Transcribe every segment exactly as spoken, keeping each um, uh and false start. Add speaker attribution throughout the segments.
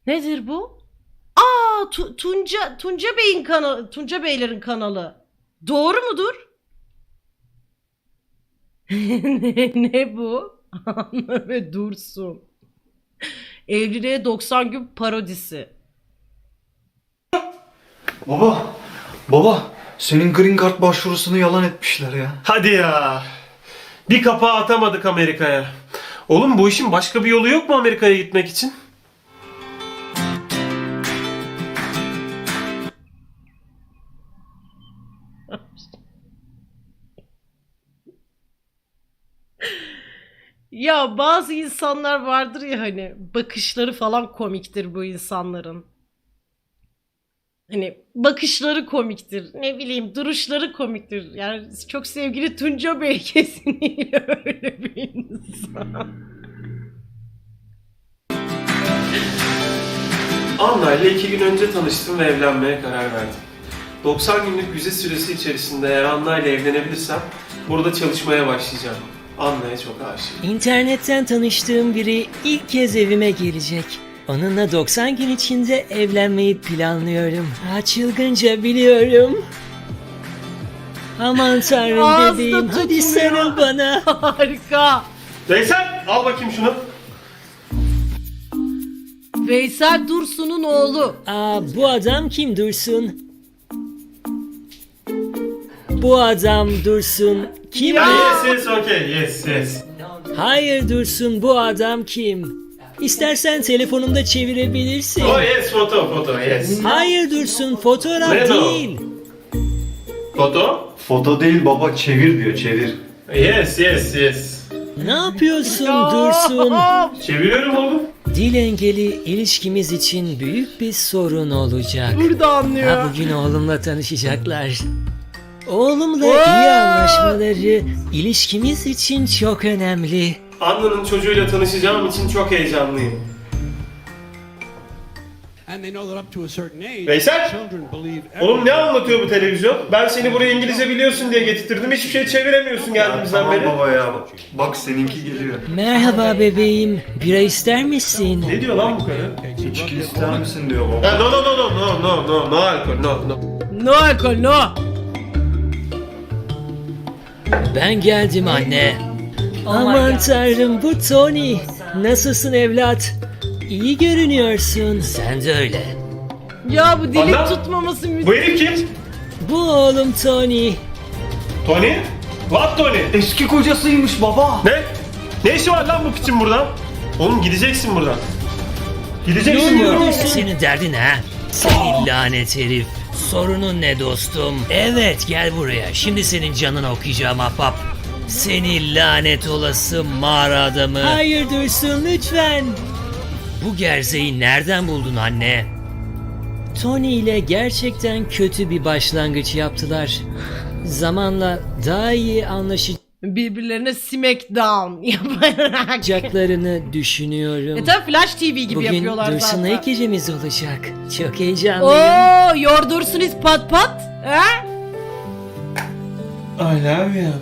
Speaker 1: Nedir bu? Aa, Tu- Tunca Tunca Bey'in kanalı, Tunca Beylerin kanalı. Doğru mudur? ne, ne bu? Anla ve Dursun. Evliliğe doksan gün parodisi.
Speaker 2: Baba, baba senin green card başvurusunu yalan etmişler ya.
Speaker 3: Hadi ya. Bir kapağı atamadık Amerika'ya. Oğlum bu işin başka bir yolu yok mu Amerika'ya gitmek için?
Speaker 1: Ya bazı insanlar vardır ya, hani bakışları falan komiktir bu insanların. Hani bakışları komiktir. Ne bileyim, duruşları komiktir. Yani çok sevgili Tunca Bey kesinlikle öyle bir insan.
Speaker 3: Anna ile iki gün önce tanıştım ve evlenmeye karar verdim. doksan günlük vize süresi içerisinde eğer Anna ile evlenebilirsem burada çalışmaya başlayacağım. Anna'ya çok aşığım.
Speaker 4: İnternetten tanıştığım biri ilk kez evime gelecek. Onunla doksan gün içinde evlenmeyi planlıyorum. Ha, çılgınca biliyorum. Aman tanrım
Speaker 1: Ağızda
Speaker 4: bebeğim, hadi
Speaker 1: tutmuyor.
Speaker 4: sarıl bana.
Speaker 1: Harika.
Speaker 3: Veysel al bakayım şunu.
Speaker 1: Veysel Dursun'un oğlu.
Speaker 4: Aa, bu adam kim Dursun? Bu adam Dursun kim?
Speaker 1: Ya.
Speaker 3: Yes yes okay yes yes.
Speaker 4: Hayır Dursun, bu adam kim? İstersen telefonumda çevirebilirsin.
Speaker 3: Oh yes foto foto yes.
Speaker 4: Hayır Dursun, fotoğraf
Speaker 3: Ne o?
Speaker 4: değil.
Speaker 3: Foto?
Speaker 2: Foto değil baba, çevir diyor, çevir.
Speaker 3: Yes yes yes.
Speaker 4: Ne yapıyorsun
Speaker 1: Ya.
Speaker 4: Dursun?
Speaker 3: Çeviriyorum oğlum.
Speaker 4: Dil engeli ilişkimiz için büyük bir sorun olacak.
Speaker 1: Burada anlıyor.
Speaker 4: Ha, bugün oğlumla tanışacaklar. Oğlumla
Speaker 1: Wow.
Speaker 4: iyi anlaşmaları ilişkimiz için çok önemli.
Speaker 3: Anna'nın çocuğuyla tanışacağım için çok heyecanlıyım.
Speaker 5: And they know that up to a certain age,
Speaker 3: Veysel!
Speaker 5: children believe
Speaker 3: Oğlum ne anlatıyor bu televizyon? Ben seni buraya İngilizce biliyorsun diye getirttim. Hiçbir şey çeviremiyorsun geldiğimizden
Speaker 2: Tamam
Speaker 3: beri.
Speaker 2: baba ya, bak seninki geliyor.
Speaker 4: Merhaba bebeğim, bira ister misin?
Speaker 3: Ne diyor lan bu karı?
Speaker 2: İçki ister misin diyor baba.
Speaker 3: Ha, no no no no no no no no alkol no no.
Speaker 1: No alkol no.
Speaker 4: Ben geldim anne. Aman tanrım, bu Tony. Nasılsın evlat? İyi görünüyorsun. Sen de öyle.
Speaker 1: Ya bu dilik
Speaker 3: Anla.
Speaker 1: tutmaması müthiş.
Speaker 3: Bu herif kim?
Speaker 4: Bu oğlum Tony.
Speaker 3: Tony? What Tony?
Speaker 2: Eski kocasıymış baba.
Speaker 3: Ne? Ne işi var lan bu piçin burada? Oğlum gideceksin buradan. Gideceksin buradan.
Speaker 4: Senin derdin ha? Senin lanet herif. Sorunun ne dostum? Evet, gel buraya. Şimdi senin canını okuyacağım ahbap. Seni lanet olası mağara adamı. Hayır Dursun, lütfen. Bu gerzeyi nereden buldun anne? Tony ile gerçekten kötü bir başlangıç yaptılar. Zamanla daha iyi
Speaker 1: Birbirlerine smackdown yaparak.
Speaker 4: anlaşacaklarını düşünüyorum.
Speaker 1: E tabi Flash T V gibi
Speaker 4: Bugün
Speaker 1: yapıyorlar
Speaker 4: Dursun'la
Speaker 1: zaten.
Speaker 4: ilk gecemiz olacak. Çok heyecanlıyım.
Speaker 1: Oo, your Dursun is pat pat. Ha?
Speaker 3: I love you.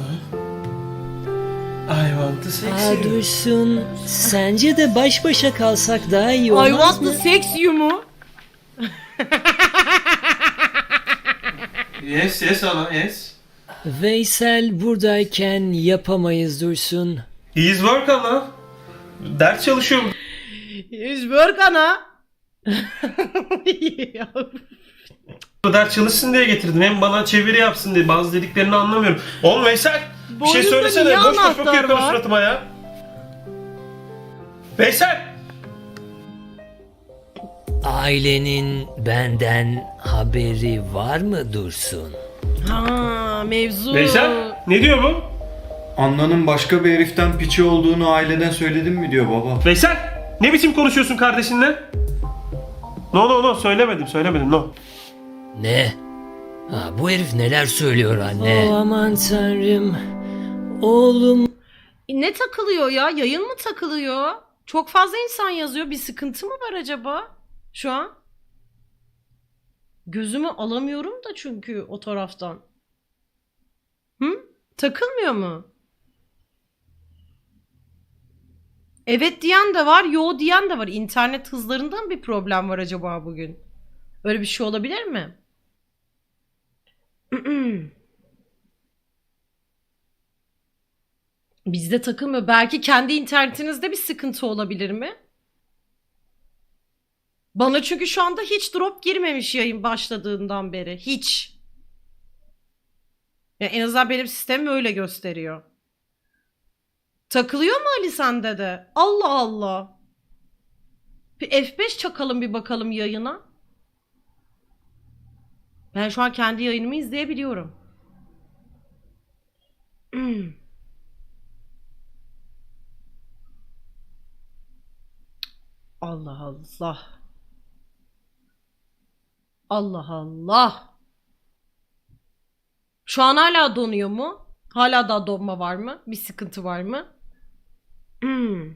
Speaker 3: I want to sex
Speaker 4: Aa
Speaker 3: you.
Speaker 4: Dursun, sence de baş başa kalsak daha iyi
Speaker 1: I
Speaker 4: olmaz
Speaker 1: want
Speaker 4: mı?
Speaker 1: to sex you mu?
Speaker 3: Yes yes ana yes.
Speaker 4: Veysel buradayken yapamayız Dursun.
Speaker 3: He is work ana. Ders çalışıyor.
Speaker 1: Is work ana.
Speaker 3: Bu ders çalışsın diye getirdim. Hem bana çeviri yapsın diye. Bazı dediklerini anlamıyorum. Oğlum Veysel bir şey
Speaker 1: Boynunda
Speaker 3: söylesene.
Speaker 1: niye
Speaker 3: Boş boş
Speaker 1: anahtar
Speaker 3: bakıyor karı
Speaker 1: var?
Speaker 3: suratıma ya. Veysel!
Speaker 4: Ailenin benden haberi var mı Dursun?
Speaker 1: Ha, mevzu.
Speaker 3: Veysel ne diyor bu?
Speaker 2: Anna'nın başka bir heriften piçi olduğunu aileden söyledin mi diyor baba.
Speaker 3: Veysel ne biçim konuşuyorsun kardeşinle? No no no söylemedim söylemedim no.
Speaker 4: Ne? Ha, bu herif neler söylüyor anne? Oh, aman tanrım. Oğlum.
Speaker 1: Ne takılıyor ya? Yayın mı takılıyor? Çok fazla insan yazıyor. Bir sıkıntı mı var acaba şu an? Gözümü alamıyorum da çünkü o taraftan. Hı? Takılmıyor mu? Evet diyen de var, yo diyen de var. İnternet hızlarından bir problem var acaba bugün? Öyle bir şey olabilir mi? Bizde takılmıyor. Belki kendi internetinizde bir sıkıntı olabilir mi? Bana çünkü şu anda hiç drop girmemiş yayın başladığından beri. Hiç. Ya en azından benim sistemim öyle gösteriyor. Takılıyor mu Ali sende de? Allah Allah. Bir F beş çakalım bir bakalım yayına. Ben şu an kendi yayınımı izleyebiliyorum. Hmm. Allah Allah. Allah Allah. Şu an hala donuyor mu? Hala daha donma var mı? Bir sıkıntı var mı? Hmm.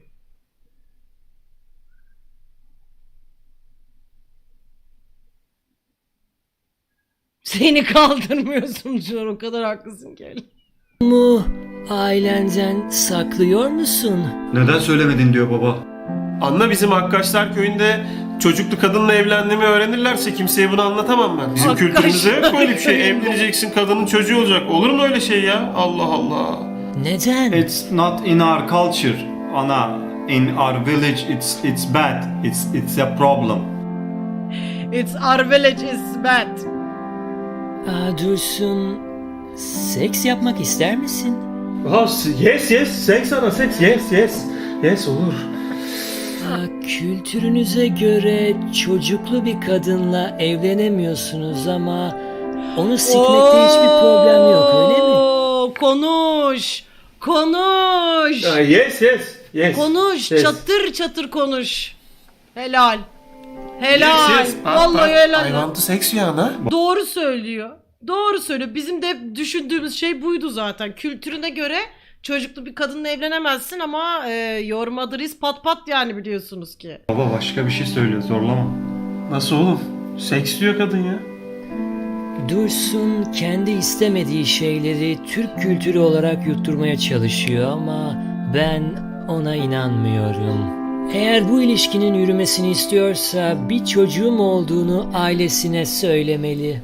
Speaker 1: Seni kaldırmıyorsun şu an, o kadar haklısın ki.
Speaker 4: Mu ailenden saklıyor musun?
Speaker 2: Neden söylemedin diyor baba.
Speaker 3: Anla, bizim Hakkaşlar köyünde çocuklu kadınla evlendiğimi öğrenirlerse kimseye bunu anlatamam ben. Bizim
Speaker 1: Hakkaşlar
Speaker 3: kültürümüzde yok böyle bir şey.
Speaker 1: köyünde.
Speaker 3: Evleneceksin, kadının çocuğu olacak. Olur mu öyle şey ya? Allah Allah.
Speaker 4: Neden?
Speaker 6: It's not in our culture, Ana. In our village, it's it's bad. It's it's a problem.
Speaker 1: It's our village is bad.
Speaker 4: Aa, Dursun, seks yapmak ister misin?
Speaker 3: Yes yes. Seks ana seks. Yes yes. Yes olur.
Speaker 4: Aa, kültürünüze göre çocuklu bir kadınla evlenemiyorsunuz ama onu sikmekte hiçbir problem yok, öyle mi?
Speaker 1: Oo, konuş. Konuş.
Speaker 3: Yes yes. Yes.
Speaker 1: Konuş.
Speaker 3: Yes.
Speaker 1: Çatır çatır konuş. Helal. Helal.
Speaker 3: Yes, yes.
Speaker 1: Vallahi
Speaker 3: I
Speaker 1: helal.
Speaker 3: want to sex you ana.
Speaker 1: Doğru söylüyor. Doğru söylüyor. Bizim de hep düşündüğümüz şey buydu zaten. Kültürüne göre çocuklu bir kadınla evlenemezsin ama e, your mother is pat pat yani, biliyorsunuz ki.
Speaker 6: Baba başka bir şey söylüyor, zorlama.
Speaker 3: Nasıl oğlum? Seks diyor kadın ya.
Speaker 4: Dursun kendi istemediği şeyleri Türk kültürü olarak yutturmaya çalışıyor ama ben ona inanmıyorum. Eğer bu ilişkinin yürümesini istiyorsa bir çocuğum olduğunu ailesine söylemeli.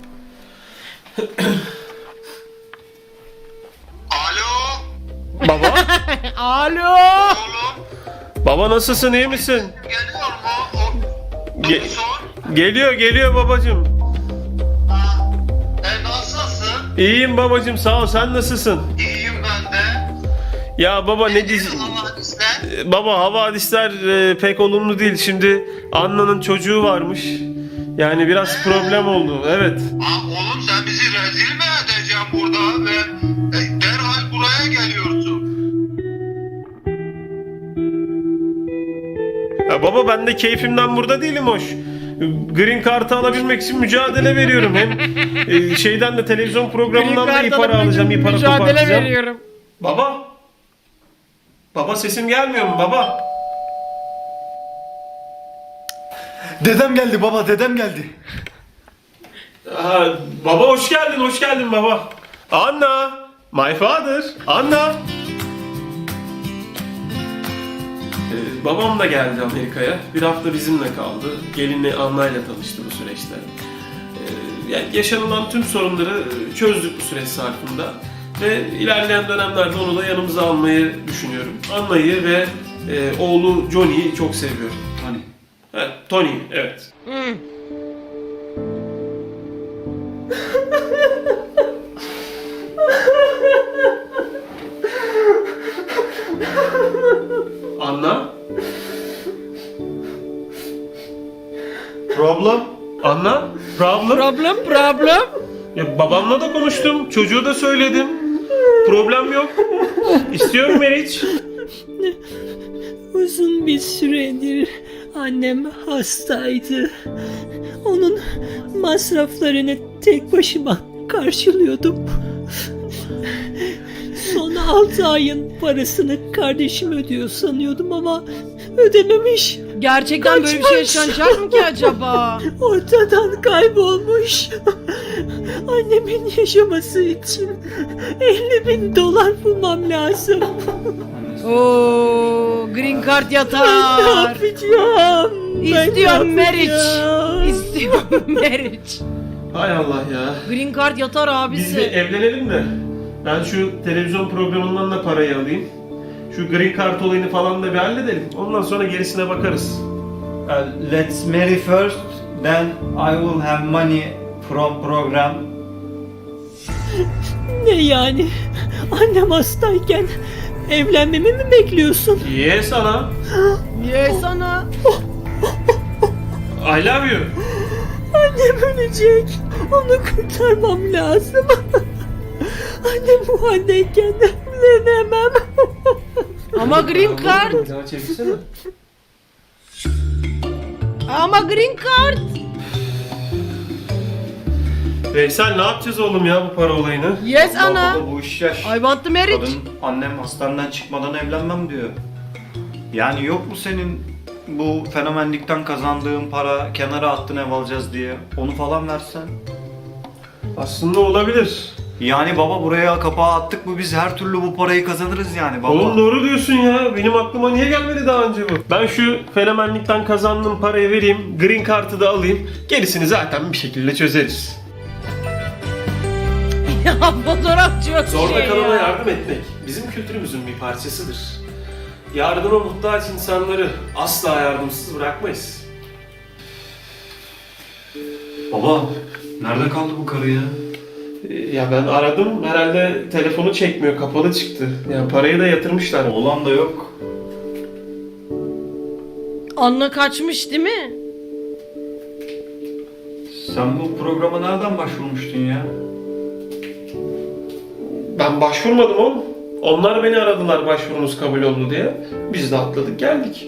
Speaker 7: Alo
Speaker 3: Baba.
Speaker 1: Alo.
Speaker 7: oğlum,
Speaker 3: Baba nasılsın, iyi misin?
Speaker 7: geliyor mu? O,
Speaker 3: Ge-
Speaker 7: doktor.
Speaker 3: geliyor geliyor babacığım.
Speaker 7: Ha, e, nasılsın?
Speaker 3: İyiyim babacığım, sağ ol, sen nasılsın?
Speaker 7: İyiyim ben de.
Speaker 3: Ya baba ne dizi...
Speaker 7: Dizi havadisler.
Speaker 3: Baba havadisler e, pek olumlu değil. Şimdi Anna'nın çocuğu varmış. Yani biraz problem oldu. Evet.
Speaker 7: Ha, oğlum sen bizi rezil mi edeceksin burada ve e, derhal buraya geliyorsun.
Speaker 3: Ya baba ben de keyfimden burada değilim hoş. Green Card'ı alabilmek için mücadele veriyorum. Hem e, şeyden de televizyon programından da iyi para alacağım, iyi para
Speaker 1: Mücadele
Speaker 3: kopartacağım.
Speaker 1: veriyorum.
Speaker 3: Baba. Baba sesim gelmiyor mu baba?
Speaker 2: Dedem geldi baba, dedem geldi.
Speaker 3: Ha, baba hoş geldin, hoş geldin baba. Anna, my father, Anna. Ee, babam da geldi Amerika'ya. Bir hafta bizimle kaldı. Gelinle Anna'yla tanıştı bu süreçte. Ee, yani yaşanılan tüm sorunları çözdük bu süreç zarfında. Ve ilerleyen dönemlerde onu da yanımıza almayı düşünüyorum. Anna'yı ve e, oğlu Johnny'yi çok seviyorum.
Speaker 2: Hani
Speaker 3: Evet, Tony, evet.
Speaker 1: Hmm.
Speaker 3: Anna?
Speaker 2: problem?
Speaker 3: Anna? Problem?
Speaker 1: Problem problem.
Speaker 3: Ya babamla da konuştum, çocuğu da söyledim. Problem yok. İstiyorum Meriç.
Speaker 4: Uzun bir süredir annem hastaydı. Onun masraflarını tek başıma karşılıyordum. Son altı ayın parasını kardeşim ödüyor sanıyordum ama ödememiş.
Speaker 1: Gerçekten böyle bir şey yaşanacak mı ki acaba?
Speaker 8: Ortadan kaybolmuş. Annemin yaşaması için elli bin dolar bulmam lazım.
Speaker 1: Oo, green card
Speaker 8: Ben ne
Speaker 1: yatar.
Speaker 8: yapacağım? Ben
Speaker 1: İstiyorum
Speaker 8: ne
Speaker 1: marriage.
Speaker 8: yapacağım?
Speaker 1: İstiyorum marriage.
Speaker 3: Hay Allah ya.
Speaker 1: Green card yatar
Speaker 3: Biz bir
Speaker 1: abisi.
Speaker 3: evlenelim de ben şu televizyon programından da parayı alayım. Şu green card olayını falan da bir halledelim. Ondan sonra gerisine bakarız.
Speaker 6: Uh, let's marry first, then I will have money from program.
Speaker 8: Ne yani? Annem hastayken evlenmemi mi bekliyorsun?
Speaker 3: Ye sana.
Speaker 1: Niye sana?
Speaker 3: I love you.
Speaker 8: Annem ölecek. Onu kurtarmam lazım. Annem bu haldeyken evlenemem.
Speaker 1: Ama green card.
Speaker 3: Bir daha çevirsene.
Speaker 1: Ama green card.
Speaker 3: Veysel ne yapacağız oğlum ya bu para olayını?
Speaker 1: Yes
Speaker 2: Allah
Speaker 1: ana.
Speaker 2: baba, bu iş yaş.
Speaker 1: I want the marriage.
Speaker 2: Kadın annem hastaneden çıkmadan evlenmem diyor. Yani yok mu senin bu fenomenlikten kazandığın para kenara attın ev alacağız diye onu falan versen?
Speaker 3: Aslında olabilir.
Speaker 2: Yani baba buraya kapağı attık mı biz her türlü bu parayı kazanırız yani baba.
Speaker 3: Oğlum doğru diyorsun ya. Benim aklıma niye gelmedi daha önce bu? Ben şu fenomenlikten kazandığım parayı vereyim. Green Card'ı da alayım. Gerisini zaten bir şekilde çözeriz.
Speaker 1: Ya fotoğraf çok
Speaker 3: Zorda
Speaker 1: şey
Speaker 3: kalana
Speaker 1: ya.
Speaker 3: yardım etmek bizim kültürümüzün bir parçasıdır. Yardıma muhtaç insanları asla yardımsız bırakmayız.
Speaker 2: Baba nerede kaldı bu karı ya?
Speaker 3: Ee, Ya ben aradım. Herhalde telefonu çekmiyor. Kapalı çıktı. Yani parayı da yatırmışlar.
Speaker 2: Oğlan da yok.
Speaker 1: Anla kaçmış değil mi?
Speaker 2: Sen bu programa nereden başvurmuştun ya?
Speaker 3: Ben başvurmadım oğlum. Onlar beni aradılar başvurunuz kabul oldu diye. Biz de atladık geldik.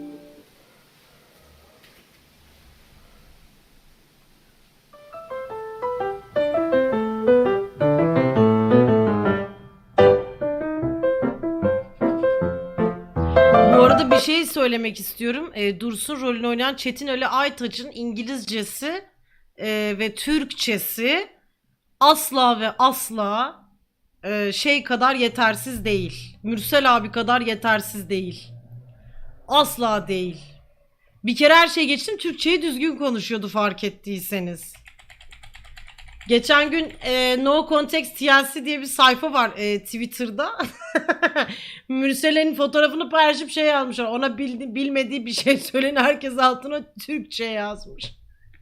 Speaker 1: Bu arada bir şey söylemek istiyorum. E, Dursun rolünü oynayan Çetin Ali Aytaç'ın İngilizcesi e, ve Türkçesi asla ve asla e, şey kadar yetersiz değil. Mürsel abi kadar yetersiz değil. Asla değil. Bir kere her şey geçtim, Türkçeyi düzgün konuşuyordu fark ettiyseniz. Geçen gün e, No Context T L C diye bir sayfa var e, Twitter'da. Mürsel'in fotoğrafını paylaşıp şey yazmışlar. Ona bildi, bilmediği bir şey söyleyin, herkes altına Türkçe yazmış.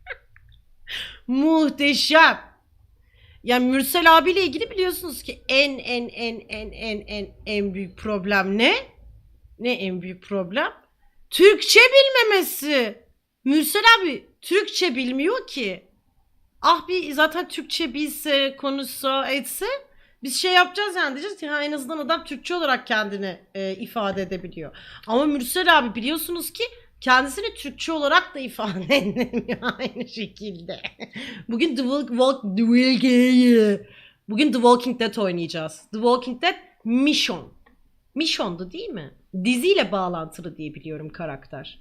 Speaker 1: Muhteşem. Yani Mürsel abiyle ilgili biliyorsunuz ki en en en en en en en büyük problem ne? Ne en büyük problem? Türkçe bilmemesi. Mürsel abi Türkçe bilmiyor ki. Ah bir zaten Türkçe bilse, konuşsa, etse biz şey yapacağız yani, diyeceğiz ki ha, en azından adam Türkçe olarak kendini e, ifade edebiliyor. Ama Mürsel abi biliyorsunuz ki kendisini Türkçe olarak da ifade edemiyor aynı şekilde. Bugün The Walk, Walk The Walk Bugün The Walking Dead oynayacağız. The Walking Dead Mission. Mission'du değil mi? Diziyle bağlantılı diye biliyorum karakter.